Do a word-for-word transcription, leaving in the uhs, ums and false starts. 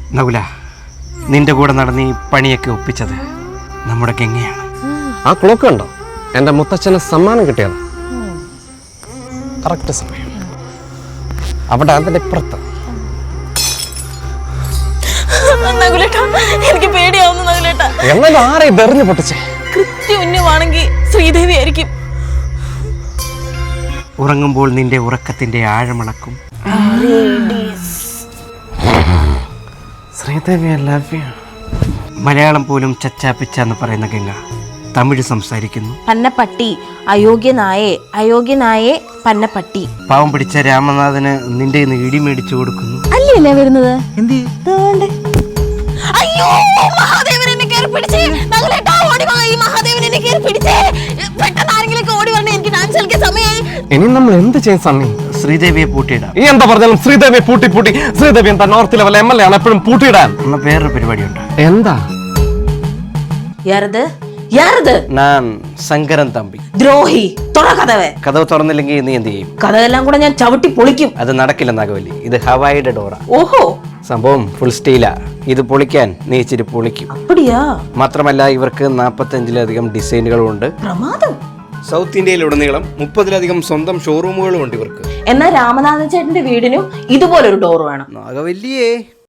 നകുല, നിന്റെ കൂടെ നടന്ന് ഈ പണിയൊക്കെ ഒപ്പിച്ചത് നമ്മുടെ ഗംഗയാണ്. ആ ക്ലോക്ക് കണ്ടോ? എൻ്റെ മുത്തച്ഛന് സമ്മാനം കിട്ടിയത് കറക്റ്റ് സമയം. അവിടെ അതിൻ്റെ ഇപ്പുറത്ത്. എനിക്ക് പേടിയാവുന്നു നകുലേട്ടാ. എന്നാലും ആരെ ഇതെറിഞ്ഞു പൊട്ടിച്ചേ? കൃത്യമാണെങ്കിൽ ശ്രീദേവി ആയിരിക്കും. ഉറങ്ങുമ്പോൾ നിന്റെ ഉറക്കത്തിന്റെ ആഴമളക്കും. Sridevi love you. മലയാളം പോലും ചച്ചാപ്പിച്ച എന്ന് പറയുന്ന ഗംഗ തമിഴ് സംസാരിക്കുന്നു. പന്നപ്പട്ടി അയോഗ്യനായേ അയോഗ്യനായേ പന്നപ്പട്ടി. പാവം പിടിച്ച രാമനാഥന് നിന്റെ ഇടി മേടിച്ചു കൊടുക്കുന്നു. അല്ലേ വരുന്നത്? അയ്യോ, മഹാദേവൻ എന്നെ കേറി പിടിച്ചേ. നകുലേട്ടാ ഓടി വാ, ഈ മഹാദേവൻ എന്നെ കേറി പിടിച്ചേ. പെട്ടെന്ന് ആരെങ്കിലും ഓടി വരണേ, എനിക്ക് ഡാൻസ് കളിക്കാൻ സമയമായി. ഇനി നമ്മൾ എന്ത് ചെയ്യും സണ്ണി? ശ്രീദേവിയെ പൂട്ടിയിടാം. ഈ എന്താ പറഞ്ഞാലും ശ്രീദേവിയെ പൂട്ടി പൂട്ടി ശ്രീദേവി എന്താ north level M L A ആണ് എപ്പോഴും പൂട്ടിയിടാൻ. എന്ന വേറൊരു പരിപാടിയുണ്ട്. എന്താ? യാരത് യാരത്? ഞാൻ ശങ്കരൻ തമ്പി. ദ്രോഹി, തുറ കഥവേ. കഥവ് തുറന്നില്ലെങ്കിൽ നീ എന്ത് ചെയ്യും? കഥയെല്ലാം കൂടെ ഞാൻ ചവിട്ടി പൊളിക്കും. അത് നടക്കില്ല നാഗവല്ലി, ഇത് ഹവായിയുടെ ഡോറ. ഓഹോ, സംഭവം ഫുൾ സ്റ്റീലാ. ഇത് പൊളിക്കാൻ നീ ഇച്ചിരി പൊളിക്കും. അപ്പടിയാ? മാത്രമല്ല ഇവർക്ക് നാൽപ്പത്തഞ്ചിലധികം ഡിസൈനുകളും ഉണ്ട്. പ്രമാദം. സൗത്ത് ഇന്ത്യയിലുടനീളം മുപ്പതിലധികം സ്വന്തം ഷോറൂമുകളും ഉണ്ട് ഇവർക്ക്. എന്നാൽ രാമനാഥൻ ചേട്ടന്റെ വീടിനും ഇതുപോലൊരു ഡോർ വേണം. നാഗവല്ലിയേ